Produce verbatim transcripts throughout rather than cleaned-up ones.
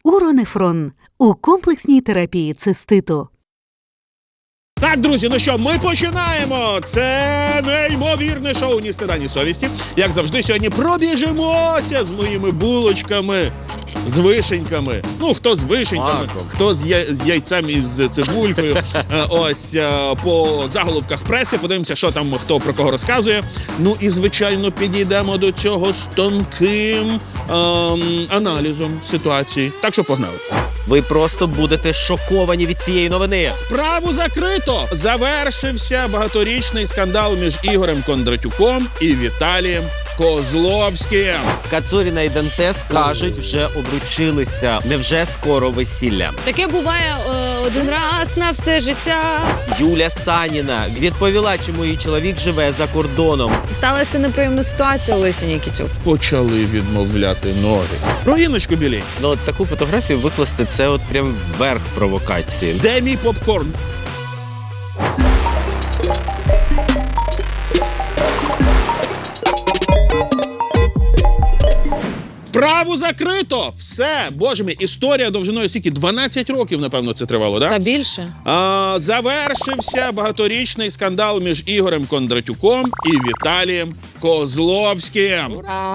Уронефрон у комплексній терапії циститу. Так, друзі, ну що, ми починаємо! Це неймовірне шоу «Ні стида, ні совісті». Як завжди, сьогодні пробіжимося з моїми булочками, з вишеньками. Ну, хто з вишеньками, Маком. хто з, я... з яйцем і з цибулькою. Е, Ось е, по заголовках преси, подивимося, що там хто про кого розказує. Ну і, звичайно, підійдемо до цього з тонким ем, аналізом ситуації. Так що погнали. Ви просто будете шоковані від цієї новини. Справу закрито! Завершився багаторічний скандал між Ігорем Кондратюком і Віталієм Козловським. Кацуріна і Дантес кажуть, вже обручилися. Невже скоро весілля? Таке буває е, один раз на все життя. Юля Саніна відповіла, чому її чоловік живе за кордоном. Сталася неприємна ситуація у Лесі Нікітюк. Почали відмовляти ноги. Про Інночку Білій. Ну, от таку фотографію викласти – це от прям верх провокації. Де мій попкорн? Справу закрито! Все! Боже мій, історія довжиною скільки? дванадцять років, напевно, це тривало, так? Та більше. А, завершився багаторічний скандал між Ігорем Кондратюком і Віталієм Козловським.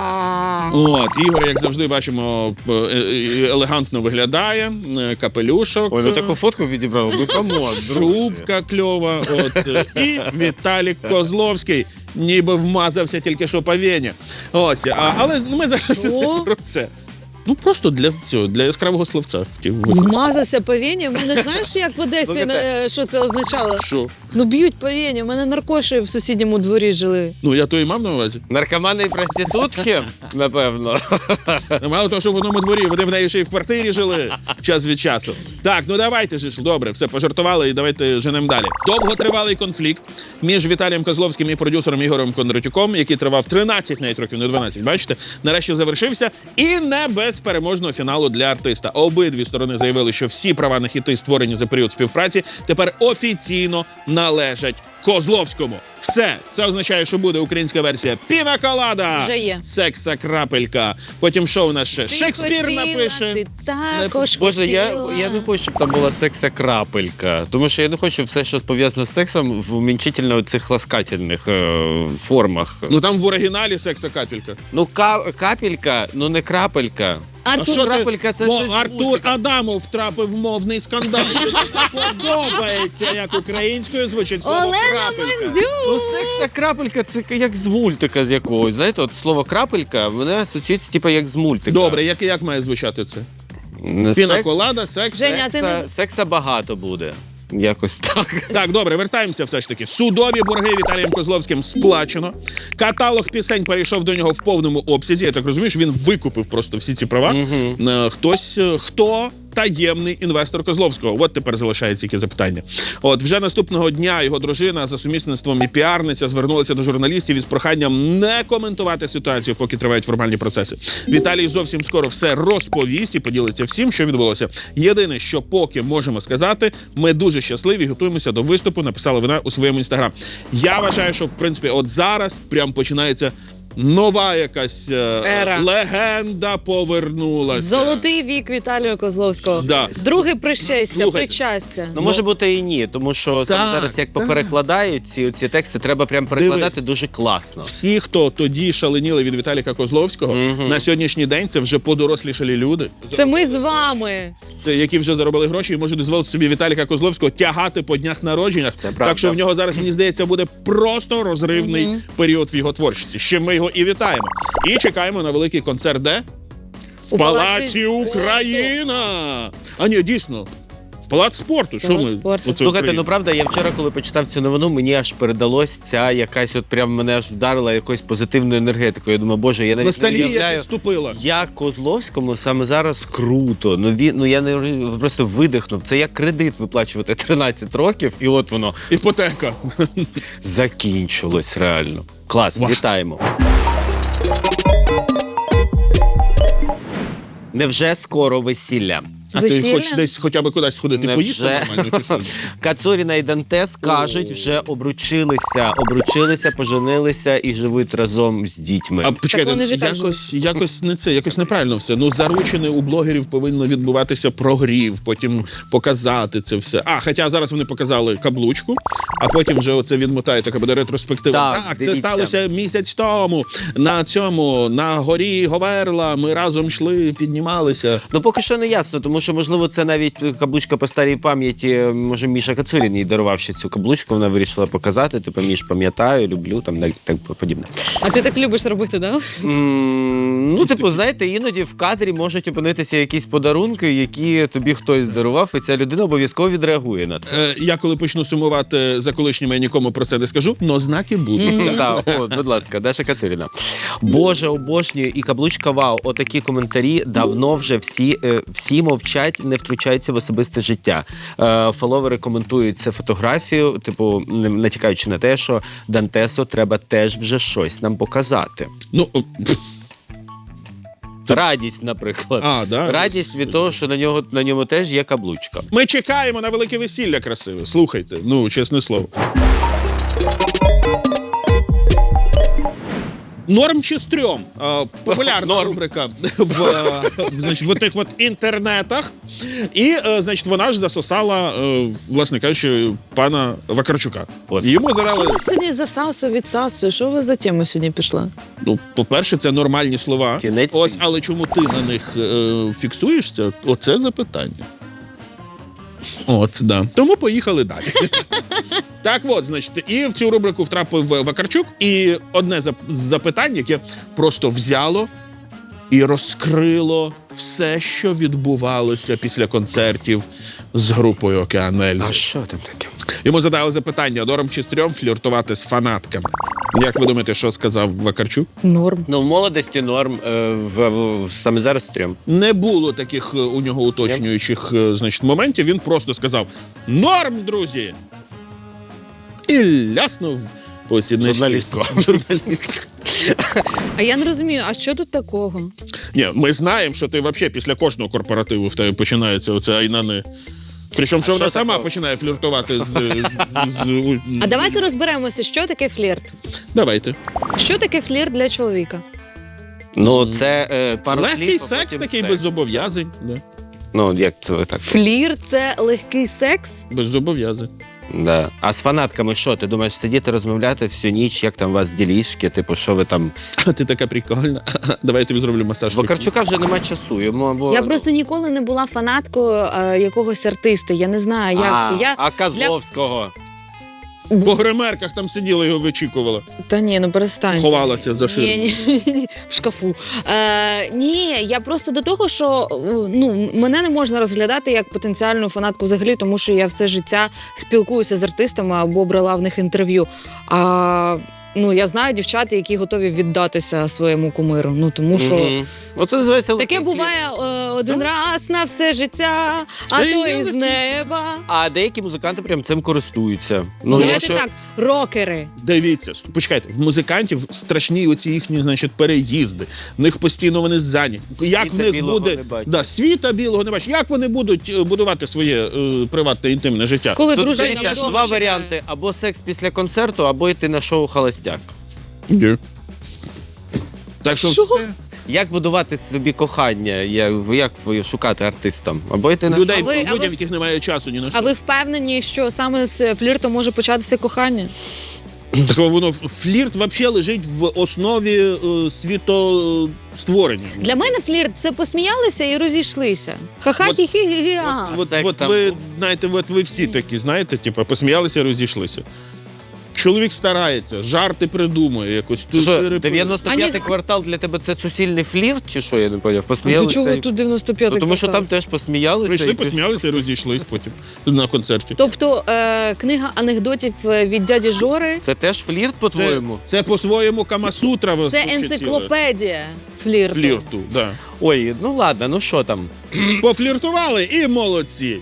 Ура! От, Ігор, як завжди, бачимо, е- е- елегантно виглядає, е, капелюшок, Ой, ну таку фотку відібрав, ви камон, шубка кльова, от, е, і Віталік Козловський, ніби вмазався тільки що по вені. Ось, а, але ми зараз не О. про це. Ну, просто для цього, для яскравого словця хотів використати. Вмазався по вені. В мене знаєш, як в Одесі, Слухайте. е, що це означало? Що? Ну б'ють по вені. У мене наркоші в сусідньому дворі жили. Ну, я то і мав на увазі. Наркомани і проститутки, напевно. Мало того, що в одному дворі, вони в неї ще й в квартирі жили час від часу. Так, ну давайте ж, добре, все, пожартували і давайте женемо далі. Довготривалий конфлікт між Віталієм Козловським і продюсером Ігорем Кондратюком, який тривав тринадцять навіть років, не дванадцять, бачите, нарешті завершився. І не без переможного фіналу для артиста. Обидві сторони заявили, що всі права на хіти, створені за період співпраці, тепер офіційно належать Козловському. Все. Це означає, що буде українська версія «Пінаколада». Вже є. Секса-крапелька. Потім що у нас ще? Ти Шекспір хотіла, напише. Ти також Боже, я, хотіла. я не хочу, щоб там була секса-крапелька. Тому що я не хочу все, що пов'язано з сексом, в умінчительно цих ласкательних е, формах. Ну там в оригіналі секса-капелька. Ну, ка- капелька, ну не крапелька. Артур, що ти- крапелька – це О, щось Артур Адамов втрапив в мовний скандал. Подобається, як українською звучить слово Олена крапелька. Ну, Мандзюк. секса-крапелька – це як з мультика з якогось. Знаєте, от слово крапелька, мене асоціюється типу як з мультика. Добре, як, як має звучати це? Не Пінаколада, секс. Женя, ти Секса, не- секса багато буде. Якось так. Так, добре, вертаємося все ж таки. Судові борги Віталієм Козловським сплачено. Каталог пісень перейшов до нього в повному обсязі. Я так розумію, що він викупив просто всі ці права. Е, Хтось, е, хто таємний інвестор Козловського? От тепер залишається тільки запитання. От, вже наступного дня його дружина за сумісництвом і піарниця звернулася до журналістів із проханням не коментувати ситуацію, поки тривають формальні процеси. Віталій зовсім скоро все розповість і поділиться всім, що відбулося. Єдине, що поки можемо сказати, ми дуже щасливі, готуємося до виступу, написала вона у своєму інстаграм. Я вважаю, що в принципі от зараз прям починається нова якась е, Ера. легенда повернулася. Золотий вік Віталія Козловського. Да. Друге прищастя, Слухайте. причастя. Ну, може бути і ні, тому що сам Так, зараз як так. поперекладають ці, ці тексти, треба прям перекладати Дивись. дуже класно. Всі, хто тоді шаленіли від Віталіка Козловського, на сьогоднішній день це вже подорослішалі люди, Це ми з вами. це які вже заробили гроші і можуть дозволити собі Віталіка Козловського тягати по днях народженнях. Це правда. Так що в нього зараз, мені здається, буде просто розривний період в його творчості. Ще ми його і вітаємо. І чекаємо на великий концерт, де? В У Палаці Палаці Україна! А ні, дійсно, в Палац спорту. Що Палац ми? спорту. Оце Слухайте, Україна. ну правда, я вчора, коли почитав цю новину, мені аж передалось ця якась, от прям мене аж вдарила якоюсь позитивною енергетикою. Я думаю, боже, я навіть не Ностальгія уявляю, підступила. як Козловському саме зараз круто. Ну він, ну я не розумію, просто видихнув. Це як кредит виплачувати тринадцять років, і от воно Іпотека. закінчилось реально. Клас, Вау. вітаємо. Невже скоро весілля? А ти Весілля? хочеш десь хоча б кудись сходити, Невже? поїсти нормально, чи що? Кацуріна і Дантес кажуть, вже обручилися, обручилися, поженилися і живуть разом з дітьми. А почекайте, вони ж і так якось, якось не це, якось неправильно все. Ну, заручене у блогерів повинно відбуватися прогрів, потім показати це все. А, хоча зараз вони показали каблучку, а потім вже оце відмотається, буде ретроспектива. Так, Так, це дивіться. сталося місяць тому. На цьому, на горі Говерла, ми разом йшли, піднімалися. Ну, поки що не ясно, тому що, можливо, це навіть каблучка по старій пам'яті. Може, Міша Кацурін їй дарував ще цю каблучку, вона вирішила показати. Типу, Міш, пам'ятаю, люблю, там так, так подібне. А ти так любиш робити, да? М, Ну, типу, знаєте, іноді в кадрі можуть опинитися якісь подарунки, які тобі хтось дарував, і ця людина обов'язково відреагує на це. Е, я коли почну сумувати за колишніми, я нікому про це не скажу, но знаки будуть. Так, от, будь ласка, Даша Кацуріна. Боже, обожнюю, і каблучка вау. Отакі коментарі давно вже всі, е, всі мовчать, не втручаються в особисте життя. Е, Фоловери коментують це фотографію, типу, не- натякаючи на те, що Дантесу треба теж вже щось нам показати. Ну, о, Радість, наприклад. А, да? Радість від того, що на нього на ньому теж є каблучка. ми чекаємо на велике весілля красиве. Слухайте, ну, чесне слово. Норм чи стрьом? Е, Популярна рубрика в, е, в, значить, в тих от інтернетах. І, е, значить, вона ж засосала, е, власне кажучи, пана Вакарчука. Господи. Йому Що задали, ви сьогодні засасує, відсасує? Що ви за тему сьогодні пішла? ну, по-перше, це нормальні слова. Кінець Ось, світу. але чому ти на них е, фіксуєшся? Оце запитання. От, да. Тому поїхали далі. Так от, значить, і в цю рубрику втрапив Вакарчук, і одне зап- з запитань, яке просто взяло і розкрило все, що відбувалося після концертів з групою «Океан Ельзи». А що там таке? Йому задали запитання, норм чи стрьом фліртувати з фанатками. Як ви думаєте, що сказав Вакарчук? Норм. Ну, в молодості норм, е, в, в, саме зараз стрьом. Не було таких е, у нього уточнюючих е, значить, моментів. Він просто сказав «Норм, друзі!» І ляснув по сідничці. Журналістку. А я не розумію, а що тут такого? Ні, ми знаємо, що ти взагалі після кожного корпоративу в тебе починається оце айнани. Причому, що А вона що сама такого? починає фліртувати з... з, з, з А давайте розберемося, що таке флірт. Давайте. Що таке флірт для чоловіка? Ну, це е, пару Легкий слів, а секс потім такий, секс. без зобов'язань. Да. Ну, як це ви так? Флірт це легкий секс? Без зобов'язань. Да. А з фанатками що? Ти думаєш сидіти, розмовляти всю ніч, як там у вас ділішки, типу, що ви там... А ти така прикольна. Давай я тобі зроблю масаж. Вакарчука вже нема часу, йому або... Я просто ніколи не була фанаткою е, якогось артиста. Я не знаю, як а, це. Я... а Козловського? По гримерках там сиділа, його вичікувала. Та ні, ну перестань. Ховалася за ширму. Ні, ні, ні, в шкафу. Е, ні, я просто до того, що е, ну, мене не можна розглядати як потенціальну фанатку взагалі, тому що я все життя спілкуюся з артистами або брала в них інтерв'ю. А ну, я знаю дівчат, які готові віддатися своєму кумиру. Ну, тому що Мгм. Оце називається... таке легкий буває е, один раз на все життя, а Це то є із легкий. неба. флірт. А деякі музиканти прям цим користуються. Ну, я давайте що- так, рокери. Дивіться, ст- почекайте, в музикантів страшні оці їхні, значить, переїзди. В них постійно вони зайняті. Як в Світа них білого буде не бачать. да, світа білого не бачать. Як вони будуть е, будувати своє е, приватне інтимне життя? Коли Тут дружина дивіться, вдома два чекає. варіанти: або секс після концерту, або йти на шоу «Холостяк». Ні. Так що Що? все. Як будувати собі кохання, як, як шукати артистам? Або йти на Людей, А ви- а людям, ви- в яких немає часу ні на що. А ви впевнені, що саме з флірту може початися кохання? Так воно флірт взагалі лежить в основі е, світостворення. Для мене флірт це посміялися і розійшлися. Ха-ха, От- хі-хі, гі а От, секс от там ви був. знаєте, от ви всі такі, знаєте, типу, посміялися, розійшлися. Чоловік старається, жарти придумує якось. Тут Що, перепи- дев'яносто п'ятий А ні. квартал для тебе це суцільний флірт, чи що, я не поняв? До Посміялися? чого і- тут дев'яносто п'ятий Ну, Ну, тому що квартал? там теж посміялися. Прийшли, і пішли. посміялися і розійшлись потім на концерті. Тобто е, книга анекдотів е, від дяді Жори Це теж флірт, Це, по-твоєму? це по-своєму Камасутра. це вообще ціле. енциклопедія флірту. Флірту. Да. Ой, ну ладно, ну що там? Пофліртували і молодці.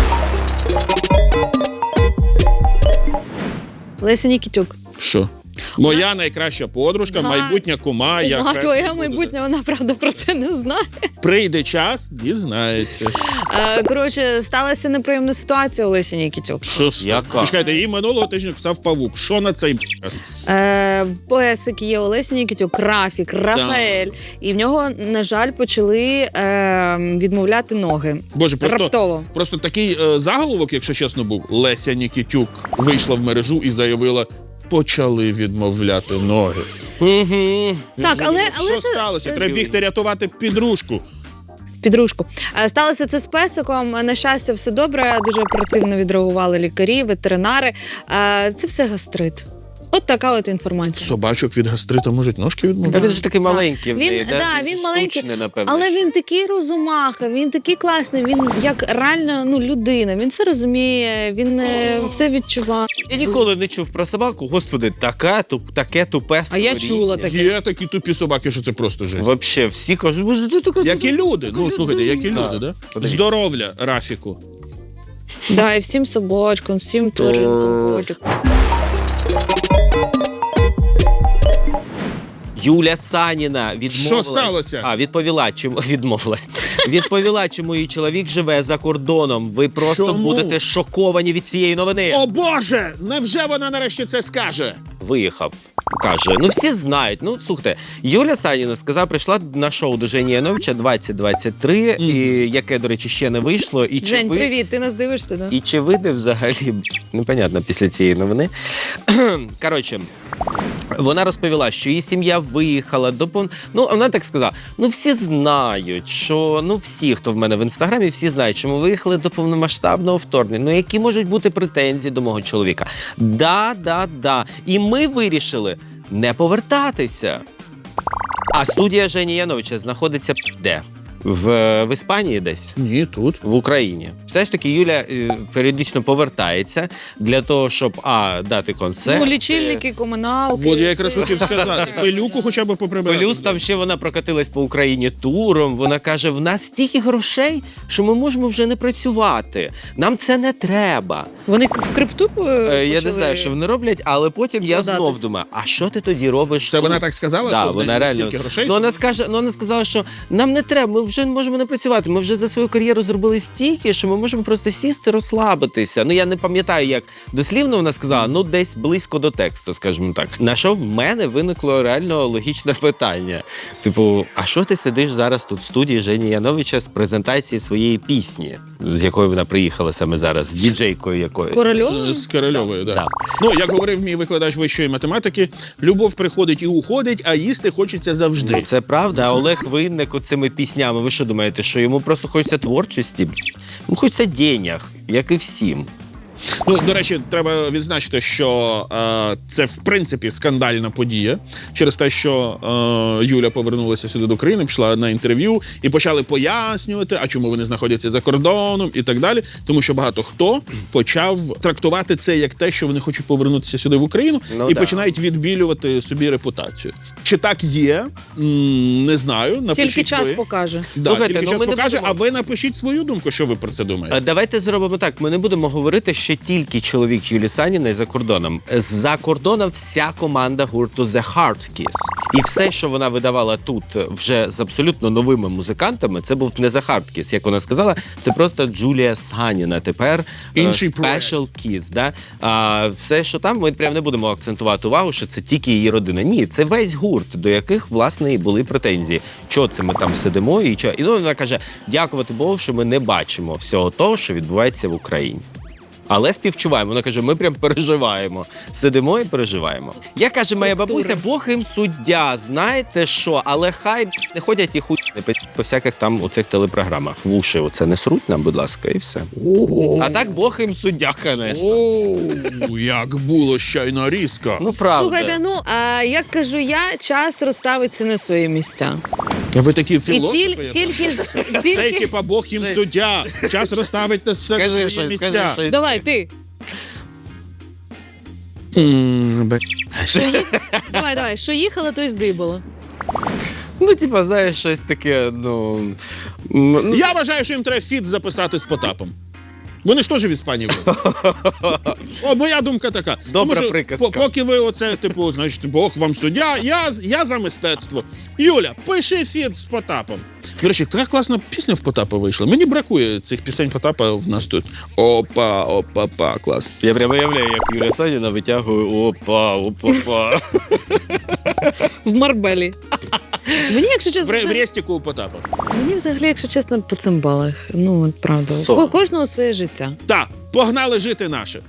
Леся Нікітюк. Що? Моя найкраща подружка, Да. майбутня кума. я Кума хресний твоя буду. майбутня, вона правда про це не знає. Прийде час, дізнається. Е, Коротше, сталася неприємна ситуація у Лесі Нікітюк. Що з Яка? Чекайте, її минулого тижня писав павук. Що на цей б***? Е, Песик є у Лесі Нікітюк, Рафік, Рафаель. І в нього, на жаль, почали е, відмовляти ноги. Боже, просто, Раптово. просто такий е, заголовок, якщо чесно, був. Леся Нікітюк вийшла в мережу і заявила, почали відмовляти ноги. Угу. Так, але, але Що це сталося? Треба бігти рятувати підружку. підружку. Е, Сталося це з песиком. На щастя, все добре. Дуже оперативно відреагували лікарі, ветеринари. Е, Це все гастрит. От така от інформація. Собачок від гастрита можуть ножки Та відмовляти. він ж такий маленький. в Він- неї, да? да, він маленький, штучний, напевно. Але він такий розумаха, він такий класний, він як реально ну, людина, він все розуміє, він е, все відчуває. Я ніколи не чув про собаку. Господи, таке, туп, таке тупе А я створіння. чула таке. Є такі тупі собаки, що це просто жесть. Вообще, всі кажуть, «Боже, ти така Як і люди. Ну, слухайте, як і Да. люди, да? Подивіться. Здоров'я, Рафіку. Да, і всім собачкам, всім тваринкам, котикам. Юля Саніна відмовилась. Що сталося? А, відповіла, чому відмовилась. Відповіла, чому її чоловік живе за кордоном. Ви просто Чому? будете шоковані від цієї новини. О Боже! Невже вона нарешті це скаже? Виїхав. Каже, ну всі знають. Ну слухайте, Юля Саніна сказала, прийшла на шоу до Жені Яновича двадцять двадцять три, і яке, до речі, ще не вийшло. І чи Жень, ви... привіт, ти нас дивишся, да? І чи вийде взагалі, непонятно, після цієї новини. Коротше, вона розповіла, що її сім'я виїхала до пон... Ну, вона так сказала, ну всі знають, що, ну всі, хто в мене в Інстаграмі, всі знають, що ми виїхали до повномасштабного вторгнення. Ну, які можуть бути претензії до мого чоловіка? Да, да, да. І ми вирішили не повертатися. А студія Жені Яновича знаходиться де? В, в Іспанії десь? Ні, тут. В Україні. Все ж таки Юля е, періодично повертається для того, щоб а, дати концерт. Ну, лічильники, комуналки. От я якраз все. хотів сказати. Пилюку хоча б поприбирати. Плюс там ще вона прокатилась по Україні туром. Вона каже: в нас стільки грошей, що ми можемо вже не працювати. Нам це не треба. Вони в крипту е, Е, я не почали? знаю, що вони роблять, але потім я Вкладатись. знов думаю: а що ти тоді робиш? Це тут? вона так сказала, Да, що в вона неї реально. стільки грошей? Ну, вона скаже, ну вона сказала, що нам не треба, ми вже можемо не працювати. Ми вже за свою кар'єру зробили стільки, що ми можемо просто сісти, розслабитися. Ну я не пам'ятаю, як дослівно вона сказала, ну десь близько до тексту, скажімо так. На що в мене виникло реально логічне питання. Типу, а що ти сидиш зараз тут в студії Жені Яновича з презентації своєї пісні, з якою вона приїхала саме зараз, з діджейкою якоюсь? Корольова? З Корольовою, да. Да. Ну, як говорив мій викладач вищої математики, любов приходить і уходить, а їсти хочеться завжди. Ну, це правда. А Олег Винник оцими піснями. Ви що думаєте, що йому просто хочеться творчості? Йому хочеться денег, як і всім. Ну, до речі, треба відзначити, що е, це в принципі скандальна подія через те, що е, Юля повернулася сюди до України, пішла на інтерв'ю і почали пояснювати, а чому вони знаходяться за кордоном і так далі. Тому що багато хто почав трактувати це як те, що вони хочуть повернутися сюди в Україну, Ну, і да. починають відбілювати собі репутацію. Чи так є? М, не знаю. Напишіть Тільки час ви. покаже. Да, Слухайте, тільки ну, час ми не покаже, будемо- а ви напишіть свою думку, що ви про це думаєте. А давайте зробимо так. Ми не будемо говорити, що тільки чоловік Юлі Саніної за кордоном. За кордоном вся команда гурту The Hard Kiss. І все, що вона видавала тут вже з абсолютно новими музикантами, це був не The Hard Kiss, як вона сказала, це просто Джулія Саніна тепер. е, Інший проект. Special Kiss. Да? А все, що там, ми прям не будемо акцентувати увагу, що це тільки її родина. Ні, це весь гурт, до яких, власне, і були претензії. Чого це ми там сидимо і чого? І ну, вона каже, дякувати Богу, що ми не бачимо всього того, що відбувається в Україні. Але співчуваємо. Вона каже, ми прям переживаємо. Сидимо і переживаємо. Я каже, моя бабуся, Бог їм суддя, знаєте що? Але хай не ходять і хуй не пи- по всяких там оцих телепрограмах. В уші оце не сруть нам, будь ласка, і все. Ого! А так Бог їм суддя, звісно. О, як було щойно різко. Ну, правда. Слухайте, ну а як кажу я, час розставиться на свої місця. А ви такі І філософи? тіль, я тільки, Цей тільки... типа Бог їм суддя. Час розставить на все Скажи свої щось, місця. скажи щось. Давай, ти. М, бе- Що їх... Давай, давай. Що їхало, то й здибало. Ну, типа, знаєш, щось таке, ну... м, ну, Я вважаю, що їм треба фіт записати з Потапом. Вони ж теж в Іспанії були. О, моя думка така. Добра Тому що приказка. по- Поки ви оце, типу, значить, Бог вам суддя, я, я за мистецтво. Юля, пиши фіт з Потапом. До речі, така класна пісня в Потапа вийшла. Мені бракує цих пісень Потапа в нас тут. Опа, опа, па, клас. Я прямо уявляю, як Юля Саніна витягує опа, опа, па. В Марбелі. Мені, якщо чесно, В, це- в рестіку у Потапа. мені взагалі, якщо чесно, по цимбалах. Ну, от правда. Що? Ко- Кожного своє життя. Так, погнали жити наше.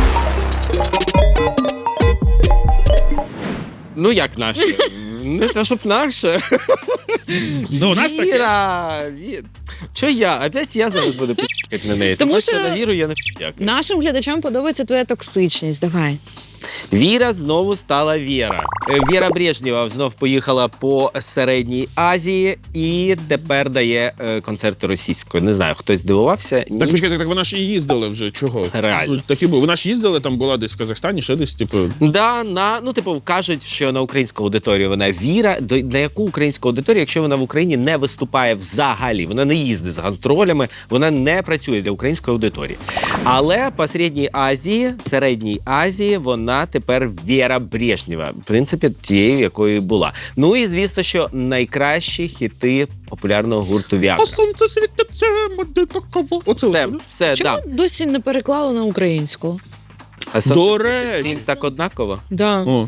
Ну як наше? Не те, щоб наше. Ну, у нас таке. Віра! Ві- Чо я? Опять я зараз буду пі***кати на неї. Тому Тому що- що на Віру я не пі***каю. Нашим глядачам подобається твоя токсичність. Давай. Віра знову стала Віра. Е, Віра Брежнєва знов поїхала по Середній Азії і тепер дає е, концерти російською. Не знаю, хтось здивувався? Ні. Так, почекайте, так вона ж і їздила вже. Чого? Реально. Так і було. Вона ж їздила, там була десь в Казахстані, ще десь, типу. Да, на, ну, типу, кажуть, що на українську аудиторію вона Віра. До, на яку українську аудиторію, якщо вона в Україні не виступає взагалі, вона не їздить з гастролями, вона не працює для української аудиторії. Але по Середній Азії, Середній Азії, вона тепер Віра Брежнєва. В принципі, тією, якою і була. Ну і звісно, що найкращі хіти популярного гурту Віагра. А сонце світиться, моди такого. Оце, Все, оце, да? все, Чому да. досі не переклали на українську? А сонце До світить речі. всім так однаково. Да. О.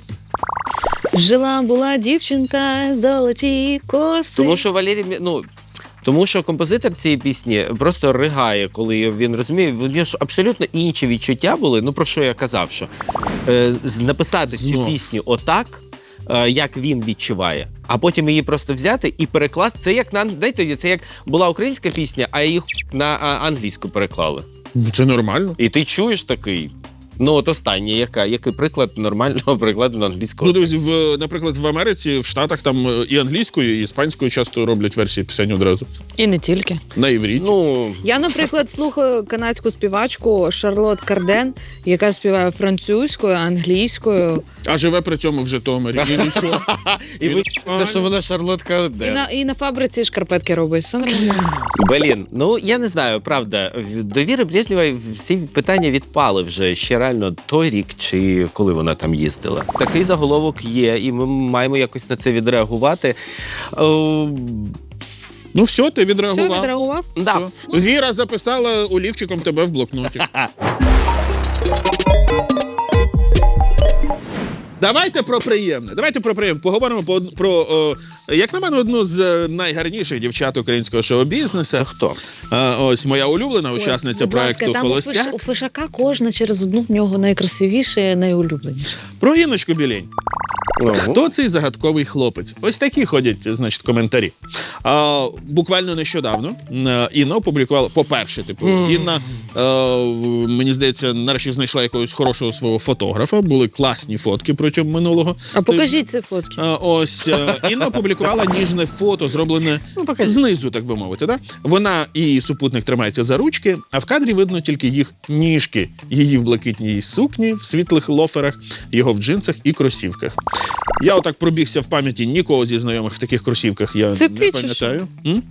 Жила була дівчинка, золоті коси. Тому що Валерій, Мі- ну, тому що композитор цієї пісні просто ригає, коли він розуміє, в нього ж абсолютно інші відчуття були. Ну про що я казав, що е, з- написати цю Знов. пісню отак, е, як він відчуває, а потім її просто взяти і перекласти. Це як на знаєте, це як була українська пісня, а її на а, англійську переклали. Це нормально. І ти чуєш такий. Ну, от останнє, яка, який приклад нормального прикладу на англійську? Ну, дивись, в, наприклад, в Америці, в Штатах там е, і англійською, і іспанською часто роблять версії пісень одразу. І не тільки. На івріті. Ну, Я, наприклад, слухаю канадську співачку Шарлот Карден, яка співає французькою, англійською. А живе при цьому в Житомирі. І нічого. і ви Ага. це, що вона Шарлотка І Оден. на, і на фабриці шкарпетки робить. Все нормально. Блін, ну я не знаю, правда. в- До Віри Брежнєвої всі питання відпали вже ще реально той рік, чи коли вона там їздила. Такий заголовок є, і ми маємо якось на це відреагувати. О, Ну все, ти Все, відреагував. відреагував? да. Все. Віра записала олівчиком тебе в блокноті. Давайте про приємне. Давайте про приємне. Поговоримо про, про о, як на мене, одну з е, найгарніших дівчат українського шоу-бізнесу. Це хто? Е, Ось моя улюблена учасниця Будь ласка, проекту там у, Холостяк. Фиш, у Фишака кожна через одну в нього найкрасивіше, найулюбленіше. Про Інночку Білень. Ну, Хто цей загадковий хлопець? Ось такі ходять, значить, коментарі. А, буквально нещодавно е, Інна опублікувала, по-перше, типу, Інна, е, в- мені здається, нарешті знайшла якогось хорошого свого фотографа. Були класні фотки протягом минулого. А покажіть ці фотки. А, ось е, Інна опублікувала ніжне фото, зроблене знизу, так би мовити. Да? Вона і її супутник тримаються за ручки, а в кадрі видно тільки їх ніжки. Її в блакитній сукні, в світлих лоферах, його в джинсах і кросівках. Я отак пробігся в пам'яті, нікого зі знайомих в таких кросівках я Це не ти чи пам'ятаю. М?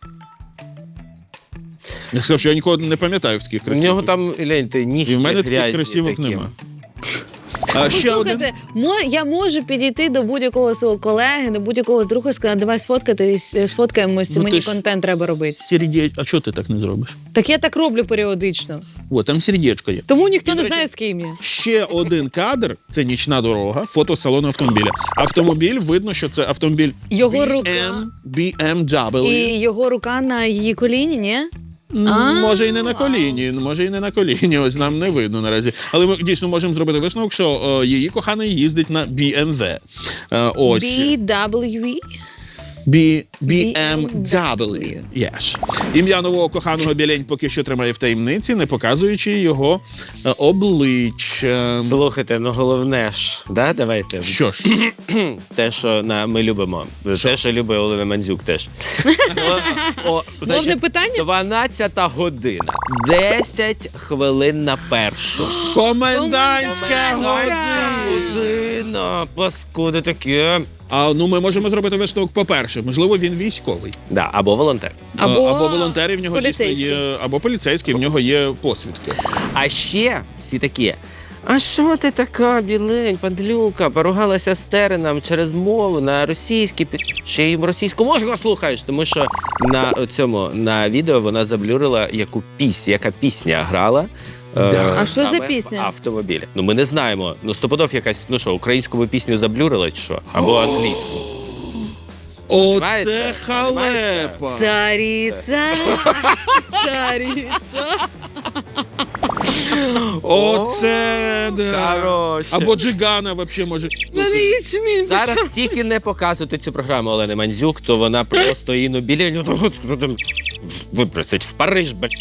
Я сказав, що я нікого не пам'ятаю в таких У кросівках. нього там, гляньте, нігті І в мене таких грязні кросівок такі. нема. А ще один. Слухайте, мо- я можу підійти до будь-якого свого колеги, до будь-якого друга і сказати, давай сфоткатись, сфоткаємось, Ну, мені ти ж- контент треба робити. Сердеч... А чого ти так не зробиш? Так я так роблю періодично. О, там сердечко є. Тому ніхто І, до не речі, знає, з ким я. Ще один кадр – це нічна дорога, фото салону автомобіля. Автомобіль, видно, що це автомобіль Його рука. бі ем дабл ю. І його рука на її коліні, ні? М, А. Може і не на коліні, може і не на коліні, ось нам не видно наразі. Але ми дійсно можемо зробити висновок, що о, її коханий їздить на бі ем ве. Е, ось. бі дабл ю і? бі ем дабл ю. Yes. Ім'я нового коханого Білень поки що тримає в таємниці, не показуючи його е, обличчя. Слухайте, ну головне ж, да, давайте. Що ж, Те, що на, ми любимо. Те, що любить Олена Мандзюк теж. О, о, Головне значить, питання? дванадцята година. десять хвилин на першу. комендантська Комендантська година. Дитина, паскуди таке. А ну ми можемо зробити висновок. По-перше, можливо, він військовий. Да, або волонтер. Або, або волонтери в нього дійсно поліцейський. є, або поліцейський, в нього є посвідки. А ще всі такі. А що ти така, білень, падлюка, поругалася з Тереном через мову на російській, пі- ще й російську мову слухаєш, тому що на цьому на відео вона заблюрила, яку пісню, яка пісня грала. е, А що за саме пісня? В автомобілі. Ну ми не знаємо. Ну стопудов якась, ну що, українську ви пісню заблюрила чи що? Або англійську. Оце Понимаєте? халепа! Цариця, цариця. Оце да. Короче. Або Джигана взагалі може. Мене ячмінь. Зараз тільки не показуйте цю програму Олени Мандзюк, то вона просто Інну Біляню випросить в Париж, блядь.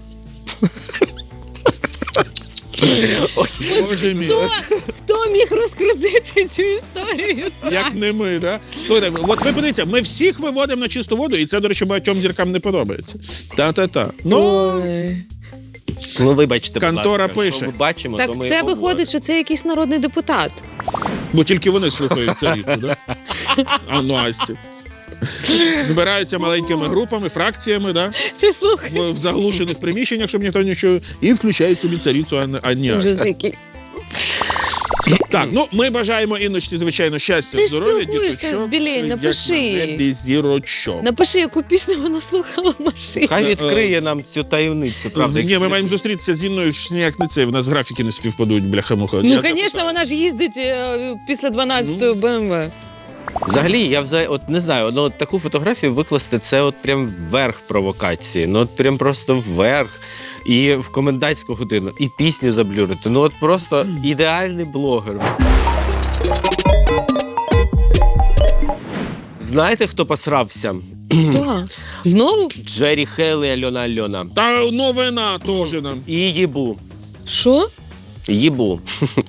Ось. Боже мій. Хто, хто міг розкрутити цю історію? Як не ми, да? Слухайте, от ви подивіться, ми всіх виводимо на чисту воду, і це, до речі, багатьом зіркам не подобається. Та-та-та. Ну, Ой. Ну, вибачте, будь Контора ласка, пише. що ми бачимо, Так то ми це і говоримо. виходить, що це якийсь народний депутат. бо тільки вони слухають царицю, да? А ну, Асті. Збираються маленькими групами, фракціями, да? Ти слухай. в, в заглушених приміщеннях, щоб ніхто не чув, і включають собі царицю, а не а не Асті. Ужас який. Так, ну ми бажаємо Інночці, звичайно, щастя, Ти ж здоров'я, спілкуєшся діточок. з Білень, Як напиши. на небі зірочок. Напиши, яку пісню вона слухала в машині. Хай відкриє нам цю таємницю, правда? Ні, ми маємо зустрітися з Інною, ж ніяк не це. В нас графіки не співпадуть, бляха-муха. Ну, Я звісно, запитаю. вона ж їздить е, після дванадцятої Б М В. Взагалі, я взагалі, от не знаю, ну, от таку фотографію викласти, це от прям верх провокації. Ну, от прям просто вверх. І в комендантську годину, і пісню заблюрити. Ну, от просто ідеальний блогер. Знаєте, хто посрався? Хто? Знову? Джері Хейл і Альона Альона. Та новина теж нам. І Їбу. Що? Їбу.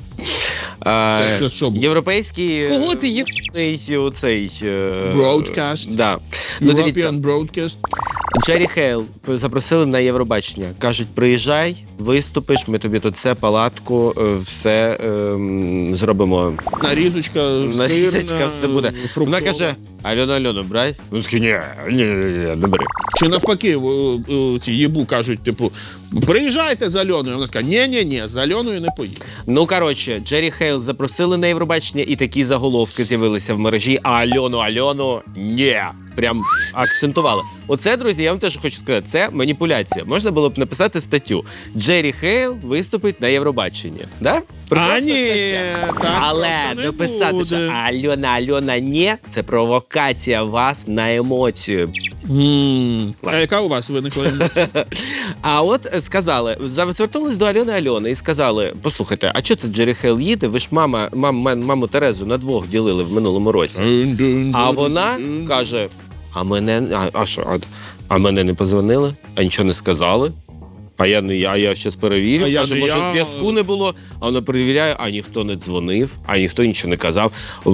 А, Це що було? Європейський Кого ти є? е, оцей е, Broadcast. Да. Ну, дивіться, European Broadcast. Джері Хейл запросили на Євробачення. Кажуть, приїжджай, виступиш, ми тобі тут все, палатку, е, все ем, зробимо. Нарізочка, Нарізочка, сирна, все буде. фруктова. Вона каже, Альона Альону, брать? Він такий, ні, ні, ні, ні, не бери. Чи навпаки, в- в- ці єбу кажуть, типу, приїжджайте з Альоною. Вона така, ні-ні-ні, з Альоною не поїду. Ну, коротше, Джері Хейл запросили на Євробачення, і такі заголовки з'явилися в мережі, а Альону Альону ні. Прям акцентували. Оце, друзі, я вам теж хочу сказати, це маніпуляція. Можна було б написати статтю. Джері Хейл виступить на Євробаченні. Да? А Прекрасна ні, стаття. так Але просто не написати, буде. що Альона Альона ні, це провокація вас на емоцію. М. А яка у вас виникла емоція? А от е, сказали, за- звернулись до Альони Альони і сказали: послухайте, а чого це Джері Хейл їде? Ви ж мама, мам, мам- маму Терезу на двох ділили в минулому році. А вона каже: а мене, а, а що, а, а мене не позвонили, а нічого не сказали. А я не я, я щас перевірю. А я Каже, не може, я. зв'язку не було. А вона перевіряє, а ніхто не дзвонив, а ніхто нічого не казав.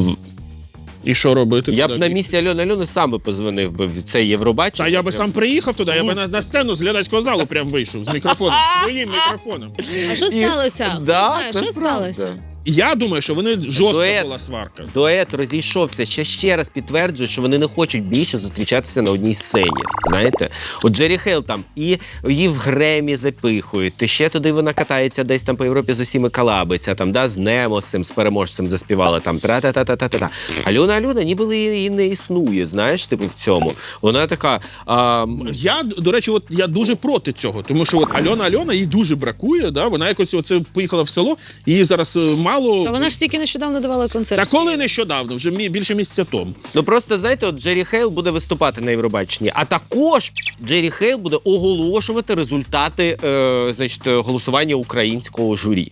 І що робити? Я б Куди на бігти? місці Альони Альони сам би позвонив би в це Євробачення. Та я би сам приїхав туди, я би на, на сцену з глядацького залу прям вийшов з мікрофоном, своїм мікрофоном. А що І- сталося? Да, Знаю, це що правда. сталося? Я думаю, що вони жорстка Дует. була сварка. Дует розійшовся. Ще ще раз підтверджує, що вони не хочуть більше зустрічатися на одній сцені. Знаєте, от Джері Хейл там і її в Гремі запихують. Ти ще туди вона катається десь там по Європі з усіми колабиться, там да з Немо з цим з переможцем заспівала там тра-та-та-та-та-та. Альона Альона ніби її не існує. Знаєш, типу в цьому. Вона така. А, Я, до речі, от я дуже проти цього, тому що от Альона Альона їй дуже бракує, да? Вона якось оце поїхала в село, її зараз е, мало. Та вона ж тільки нещодавно давала концерт. Та коли нещодавно, вже мі- більше місяця тому. Ну просто знаєте, от Джері Хейл буде виступати на Євробаченні, а також Джері Хейл буде оголошувати результати е, значить, голосування українського журі.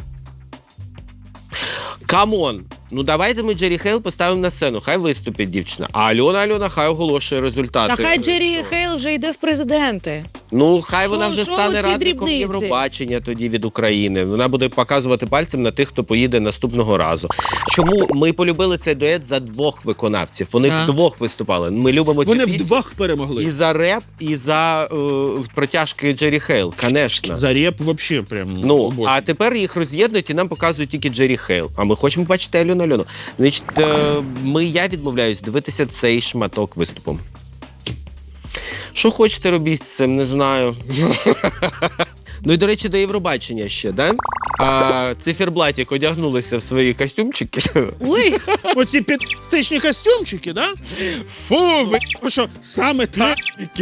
Камон! Ну давайте ми Джері Хейл поставимо на сцену, хай виступить дівчина. А Альона Альона хай оголошує результати. Та хай е, Джері цього. Хейл вже йде в президенти. Ну, хай вона Що- вже що стане оці радником дрібниці? Євробачення тоді від України. Вона буде показувати пальцем на тих, хто поїде наступного разу. Чому ми полюбили цей дует за двох виконавців? Вони Так. вдвох виступали. Ми любимо цю Вони пісню. вдвох перемогли. І за реп, і за е, протяжки Джері Хейл, конечно. За реп взагалі прям. Ну, обожнюю. а тепер їх роз'єднують і нам показують тільки Джері Хейл. А ми хочемо бачити Альону Альоно. Значить, е, ми, я відмовляюсь дивитися цей шматок виступу. Що хочете робіть з цим, не знаю. Ну і, до речі, до Євробачення ще, да? А циферблатик одягнулися в свої костюмчики. Ой, Оці підстичні костюмчики, да? Фу, ви... Тому що саме так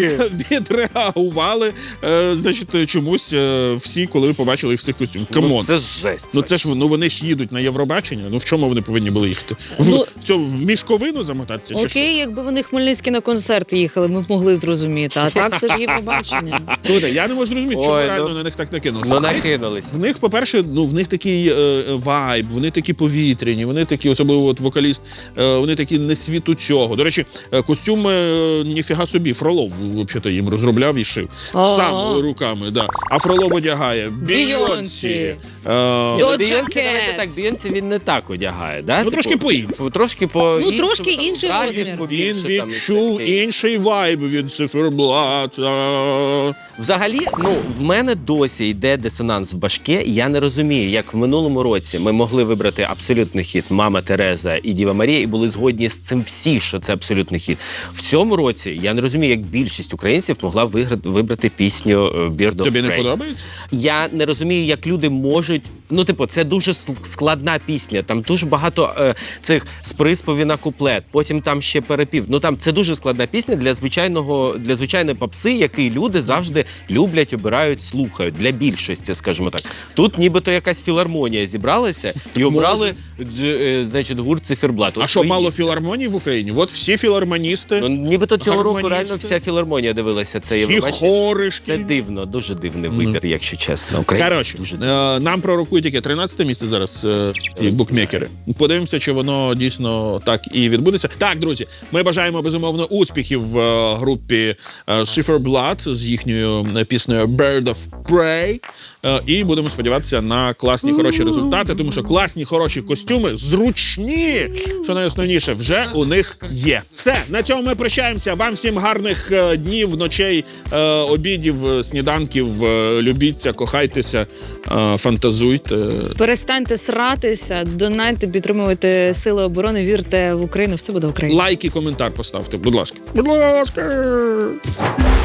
відреагували, е, значить, чомусь е, всі, коли побачили їх в цих костюмах. Ну, Камон. це ж жесть. Ну це ж ну вони ж їдуть на Євробачення. Ну в чому вони повинні були їхати? В, Ну, в цьому в мішковину замотатися? Чи що? окей, якби вони Хмельницький на концерт їхали, ми б могли зрозуміти. А так це ж Євробачення. Слухайте, я не можу зрозуміти, чому Ой, реально ну- на них так накинулося. Ну, накинулись. В них, по-перше, ну в них такий е, вайб, вони такі повітряні, вони такі, особливо от вокаліст, е, вони такі не світу цього. До речі, е, костюми е, ніфіга собі, Фролов взагалі їм розробляв і шив. А. Сам руками, да. А Фролов одягає Бійонсі. Бейонсі. Е, Ні, ну, Доджа Бейонсі, Кет. давайте так, Бейонсі він не так одягає, да? Ну, трошки по-іншому. Трошки по Ну, трошки інший розмір. він відчув інший вайб від циферблата. Взагалі, ну, в мене досі йде дисонанс в башке, і я не розумію, як в минулому році ми могли вибрати абсолютний хіт «Мама Тереза» і «Діва Марія» і були згодні з цим всі, що це абсолютний хіт. В цьому році я не розумію, як більшість українців могла виграти, вибрати пісню е, «Bird of Тобі не Prey». подобається? Я не розумію, як люди можуть. Ну, типу, це дуже сл- складна пісня. Там дуже багато е, цих з приспівів на куплет, потім там ще перепів. Ну там це дуже складна пісня для звичайного для звичайної попси, який люди завжди люблять, обирають, слухають для більшості, скажімо так. Тут нібито якась філармонія зібралася і обрали дж, е, значить, гурт циферблат. А От що, ви- мало філармоній в Україні? От всі філармоністи, Ну, нібито цього року гармоністи. реально вся філармонія дивилася це всі Євробачення. хори Це шкільні. дивно, дуже дивний вибір, якщо чесно. Українці Коротше, дуже е, нам пророкують яке тринадцяте місце зараз е, ці букмекери. Подивимося, чи воно дійсно так і відбудеться. Так, друзі, ми бажаємо безумовно успіхів в е, групі е, Schifferblatt з їхньою е, піснею Bird of Prey. Е, і будемо сподіватися на класні хороші результати, тому що класні хороші костюми, зручні, що найосновніше, вже у них є. Все, на цьому ми прощаємося. Вам всім гарних е, днів, ночей, е, обідів, е, сніданків. Е, любіться, кохайтеся, е, фантазуйте. Перестаньте сратися, донайте, підтримуйте сили оборони, вірте в Україну, все буде Україна. Лайк і коментар поставте, будь ласка. Будь ласка.